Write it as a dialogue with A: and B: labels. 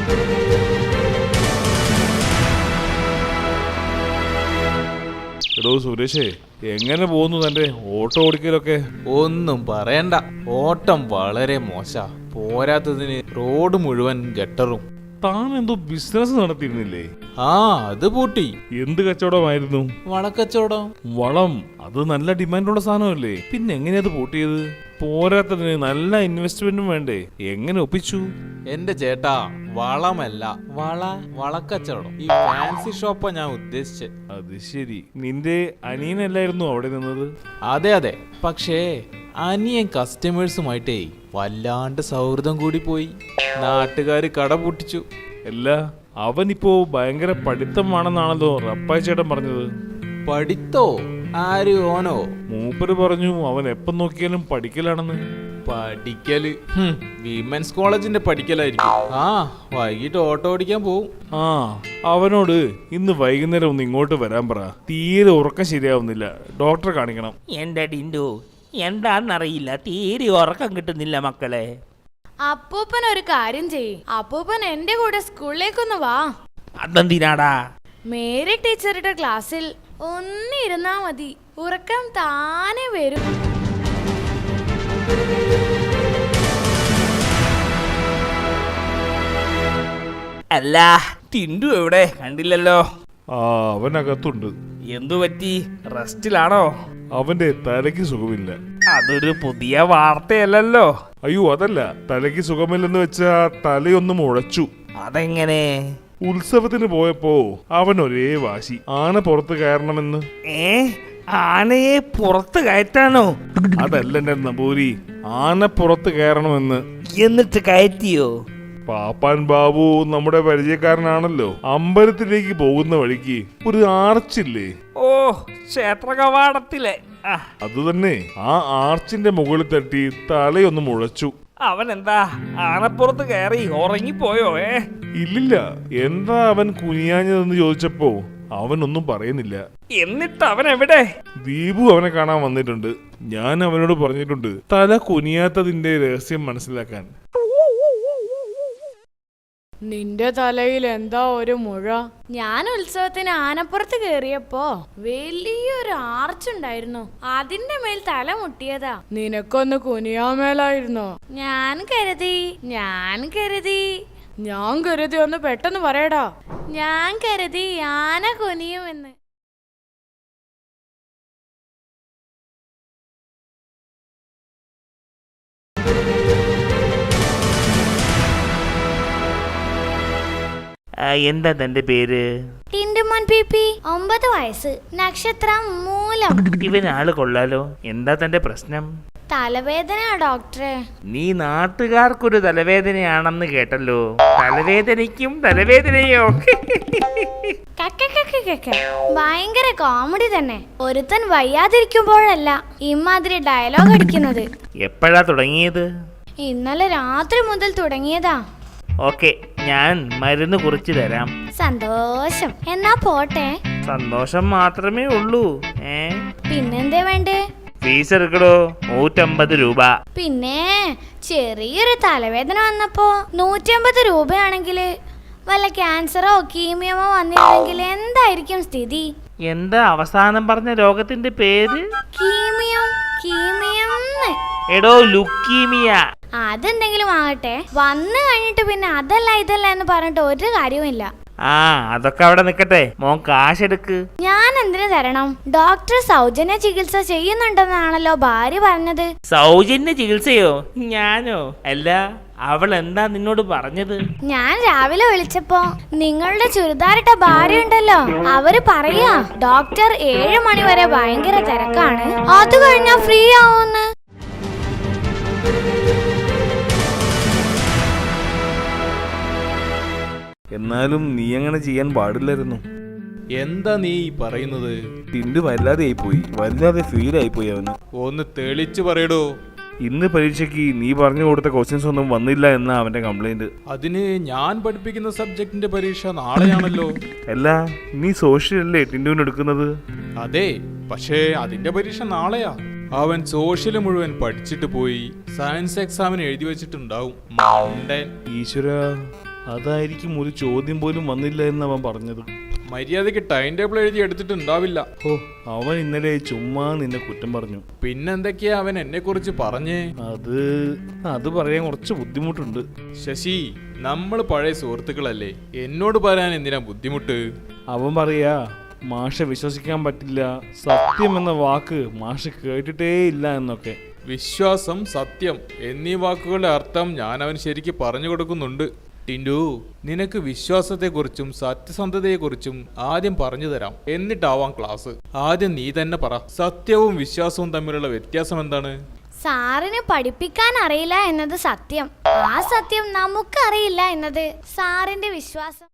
A: എടോ സുരേഷേ, എങ്ങനെ പോകുന്നു തന്റെ ഓട്ടോ ഓടിക്കലൊക്കെ?
B: ഒന്നും പറയണ്ട, ഓട്ടം വളരെ മോശ. പോരാത്തതിന് റോഡ് മുഴുവൻ ഗട്ടറും.
A: താൻ എന്തോ ബിസിനസ് നടത്തിയിരുന്നില്ലേ?
B: ആ, അത് പൂട്ടി.
A: എന്ത് കച്ചവടമായിരുന്നു?
B: വളക്കച്ചവടം.
A: വളം, അത് നല്ല ഡിമാൻഡുള്ള സാധനമല്ലേ, പിന്നെ എങ്ങനെയാ അത് പൂട്ടിയത്? പോരാത്തതിന് നല്ല ഇൻവെസ്റ്റ്മെന്റും വേണ്ടേ, എങ്ങനെ ഒപ്പിച്ചു?
B: എന്റെ ചേട്ടാ, വളമല്ല, വളക്കച്ചവടം. ഈ ഫാൻസി ഷോപ്പാ ഞാൻ ഉദ്ദേശിച്ചത്.
A: അത് ശരി, നിന്റെ അനിയനല്ലായിരുന്നു അവിടെ നിന്നത്?
B: അതെ അതെ, പക്ഷേ അനിയൻ കസ്റ്റമേഴ്സുമായിട്ടേ വല്ലാണ്ട് സൗഹൃദം കൂടി പോയി. നാട്ടുകാര് കട പൂട്ടിച്ചു.
A: അല്ല, അവനിപ്പോ ഭയങ്കര പഠിത്തമാണെന്നാണല്ലോ റപ്പായി ചേട്ടൻ പറഞ്ഞത്.
B: പഠിത്തോ? ആര്, ഓനോ?
A: മൂപ്പര് പറഞ്ഞു അവൻ എപ്പം നോക്കിയാലും പഠിക്കലാണെന്ന്.
B: പഠിക്കല് വിമൻസ് കോളേജിന്റെ പഠിക്കലായിരിക്കും. ആ, വൈകിട്ട് ഓട്ടോ ഓടിക്കാൻ പോവും.
A: ആ, അവനോട് ഇന്ന് വൈകുന്നേരം ഒന്ന് ഇങ്ങോട്ട് വരാൻ പറ. തീരെ ഉറക്കം ശരിയാവുന്നില്ല, ഡോക്ടറെ കാണിക്കണം.
C: എന്റെ ടിൻഡു, എന്താന്നറിയില്ല, തീരെ ഉറക്കം കിട്ടുന്നില്ല മക്കളെ.
D: അപ്പൂപ്പൻ ഒരു കാര്യം ചെയ്യ്, അപ്പൂപ്പൻ എന്റെ കൂടെ സ്കൂളിലേക്കൊന്ന് വാ.
C: അതെന്തിനാടാ?
D: മേരി ടീച്ചറുടെ ക്ലാസ്സിൽ ഒന്നിരുന്നാ മതി, ഉറക്കം താനെ വരും.
C: അല്ല, ടിൻഡു എവിടെ? കണ്ടില്ലല്ലോ.
A: ആ, അവനകത്തുണ്ട്.
C: എന്തു പറ്റി? റെസ്റ്റിലാണോ?
A: അവന്റെ തലയ്ക്ക് സുഖമില്ല.
C: അതൊരു പുതിയ വാർത്തയല്ലല്ലോ.
A: അയ്യോ, അതല്ല, തലയ്ക്ക് സുഖമില്ലെന്ന് വെച്ചാ തലയൊന്നും ഉഴച്ചു.
C: അതെങ്ങനെ?
A: ഉത്സവത്തിന് പോയപ്പോ അവൻ ഒരേ വാശി, ആന പുറത്ത് കയറണമെന്ന്.
C: ആനയെ പുറത്ത് കയറ്റാനോ?
A: അതല്ല എന്റെ നമ്പൂരി, ആന പുറത്ത് കയറണമെന്ന്.
C: എന്നിട്ട് കയറ്റിയോ?
A: പാപ്പാൻ ബാബു നമ്മുടെ പരിചയക്കാരനാണല്ലോ. അമ്പലത്തിലേക്ക് പോകുന്ന വഴിക്ക് ഒരു ആർച്ചില്ലേ?
C: ഓ, ക്ഷേത്ര കവാടത്തിലെ.
A: അത് തന്നെ. ആ ആർച്ചിന്റെ മുകളിൽ തട്ടി തലയൊന്ന് മുഴച്ചു.
C: അവൻ എന്താ ആനപ്പുറത്ത് കയറി ഉറങ്ങിപ്പോയോ?
A: ഇല്ലില്ല. എന്താ അവൻ കുനിയാഞ്ഞതെന്ന് ചോദിച്ചപ്പോ അവനൊന്നും പറയുന്നില്ല.
C: എന്നിട്ട് അവൻ എവിടെ?
A: ദീപു അവനെ കാണാൻ വന്നിട്ടുണ്ട്. ഞാൻ അവനോട് പറഞ്ഞിട്ടുണ്ട് തല കുനിയാത്തതിന്റെ രഹസ്യം മനസ്സിലാക്കാൻ.
D: നിന്റെ തലയിൽ എന്താ ഒരു മുഴ? ഞാൻ ഉത്സവത്തിന് ആനപ്പുറത്ത് കേറിയപ്പോ വലിയൊരു ആർച്ചുണ്ടായിരുന്നു, അതിന്റെ മേൽ തല മുട്ടിയതാ. നിനക്കൊന്ന് കുനിയാമേലായിരുന്നോ? ഞാൻ കരുതി ഒന്ന് പെട്ടെന്ന് പറയടാ. ഞാൻ കരുതി ആന കുനിയുമെന്ന്.
C: എന്താ തന്റെ പേര്?
D: ടിൻഡുമോൻ പിപി, 9 വയസ്സ്, നക്ഷത്രം മൂലം.
C: ഇവനാള് കൊള്ളാലോ. എന്താ തന്റെ പ്രശ്നം?
D: തലവേദന ഡോക്ടറെ.
C: നീ നാട്ടുകാർക്കൊരു തലവേദനയാണെന്ന് കേട്ടല്ലോ. തലവേദനയ്ക്കും തലവേദനയോ?
D: ഭയങ്കര കോമഡി തന്നെ. ഒരുത്തൻ വയ്യാതിരിക്കുമ്പോഴല്ല ഇമാതിരി ഡയലോഗ് അടിക്കുന്നത്.
C: എപ്പോഴാ തുടങ്ങിയത്?
D: ഇന്നലെ രാത്രി മുതൽ തുടങ്ങിയതാ.
C: ഓക്കെ, ഞാൻ മരുന്ന് കുറിച്ച് തരാം.
D: സന്തോഷം, എന്നാ പോട്ടെ.
C: സന്തോഷം മാത്രമേ ഉള്ളൂ.
D: പിന്നെന്തേ വേണ്ടേ?
C: ഫീസ് എടുക്കടോ, 150 രൂപ.
D: പിന്നെ ചെറിയൊരു തലവേദന വന്നപ്പോ 150 രൂപയാണെങ്കിൽ വല്ല ക്യാൻസറോ കീമിയമോ വന്നിരുന്നെങ്കിൽ എന്തായിരിക്കും സ്ഥിതി?
C: എന്താ അവസാനം പറഞ്ഞ രോഗത്തിന്റെ പേര്?
D: കീമിയം.
C: എടോ, ലുക്കീമിയ.
D: അതെന്തെങ്കിലും ആകട്ടെ, വന്നു കഴിഞ്ഞിട്ട് പിന്നെ അതല്ല ഇതല്ല എന്ന് പറഞ്ഞിട്ട് ഒരു കാര്യവുമില്ല.
C: ആ, അതൊക്കെ അവിടെ നിക്കട്ടെ. മോൻ കാശെടുക്ക്.
D: ഞാൻ എന്തിനു തരണം? ഡോക്ടർ സൗജന്യ ചികിത്സ ചെയ്യുന്നുണ്ടെന്നാണല്ലോ ഭാര്യ പറഞ്ഞത്.
C: സൗജന്യ ചികിത്സയോ? ഞാനോ? അല്ല, അവൾ എന്താ നിന്നോട് പറഞ്ഞത്?
D: ഞാൻ രാവിലെ വിളിച്ചപ്പോ നിങ്ങളുടെ ചുരിദാറിട്ട ഭാര്യ ഉണ്ടല്ലോ, അവര് പറയാ ഡോക്ടർ 7 മണി വരെ ഭയങ്കര തിരക്കാണ്, അത് കഴിഞ്ഞാ ഫ്രീ ആവുമെന്ന്.
A: എന്നാലും നീ അങ്ങനെ ചെയ്യാൻ പാടില്ലായിരുന്നു.
B: എന്താ നീ പറയുന്നത്?
A: ടിൻഡു വല്ലാതെ ആയിപ്പോയി, വല്ലാതെ ഫീൽ ആയിപ്പോയി അവന്.
B: ഒന്ന് തെളിച്ചു പറയടോ.
A: ഇന്ന് പരീക്ഷയ്ക്ക് നീ പറഞ്ഞു കൊടുത്ത ക്വസ്റ്റ്യൻസ് ഒന്നും വന്നില്ല എന്നാ അവന്റെ കംപ്ലൈന്റ്.
B: അതിന് ഞാൻ പഠിപ്പിക്കുന്ന സബ്ജക്റ്റിന്റെ പരീക്ഷ നാളെയാണല്ലോ.
A: അല്ല, നീ സോഷ്യൽ അല്ലേ ടിൻഡുവിന് എടുക്കുന്നത്?
B: അതെ, പക്ഷേ അതിന്റെ പരീക്ഷ നാളെയാ. അവൻ സോഷ്യൽ മുഴുവൻ പഠിച്ചിട്ട് പോയി സയൻസ് എക്സാമിന് എഴുതി വെച്ചിട്ടുണ്ടാവും.
A: ഈശ്വര, അതായിരിക്കും ഒരു ചോദ്യം പോലും വന്നില്ല എന്ന് അവൻ പറഞ്ഞത്.
B: മര്യാദയ്ക്ക് ടൈം ടേബിൾ എഴുതി എടുത്തിട്ടുണ്ടാവില്ല.
A: ഓ, അവൻ ഇന്നലെ ചുമ്മാ നിന്നെ കുറ്റം പറഞ്ഞു.
B: പിന്നെന്തൊക്കെയാ അവൻ എന്നെ കുറിച്ച് പറഞ്ഞേ?
A: അത് പറയാൻ കുറച്ച് ബുദ്ധിമുട്ടുണ്ട്.
B: ശശി, നമ്മൾ പഴയ സുഹൃത്തുക്കളല്ലേ, എന്നോട് പറയാൻ എന്തിനാ ബുദ്ധിമുട്ട്?
A: അവൻ പറയാ മാഷെ വിശ്വസിക്കാൻ പറ്റില്ല, സത്യം എന്ന വാക്ക് മാഷ് കേട്ടിട്ടേ ഇല്ല എന്നൊക്കെ.
B: വിശ്വാസം, സത്യം എന്നീ വാക്കുകളുടെ അർത്ഥം ഞാൻ അവന് ശരിക്ക് പറഞ്ഞു കൊടുക്കുന്നുണ്ട്. ടിൻഡു, നിനക്ക് വിശ്വാസത്തെക്കുറിച്ചും സത്യസന്ധതയെക്കുറിച്ചും ആദ്യം പറഞ്ഞു തരാം, എന്നിട്ടാവാം ക്ലാസ്. ആദ്യം നീ തന്നെ പറ, സത്യവും വിശ്വാസവും തമ്മിലുള്ള വ്യത്യാസം എന്താണ്?
D: സാറിന് പഠിപ്പിക്കാൻ അറിയില്ല എന്നത് സത്യം, ആ സത്യം നമുക്കറിയില്ല എന്നത് സാറിന്റെ വിശ്വാസം.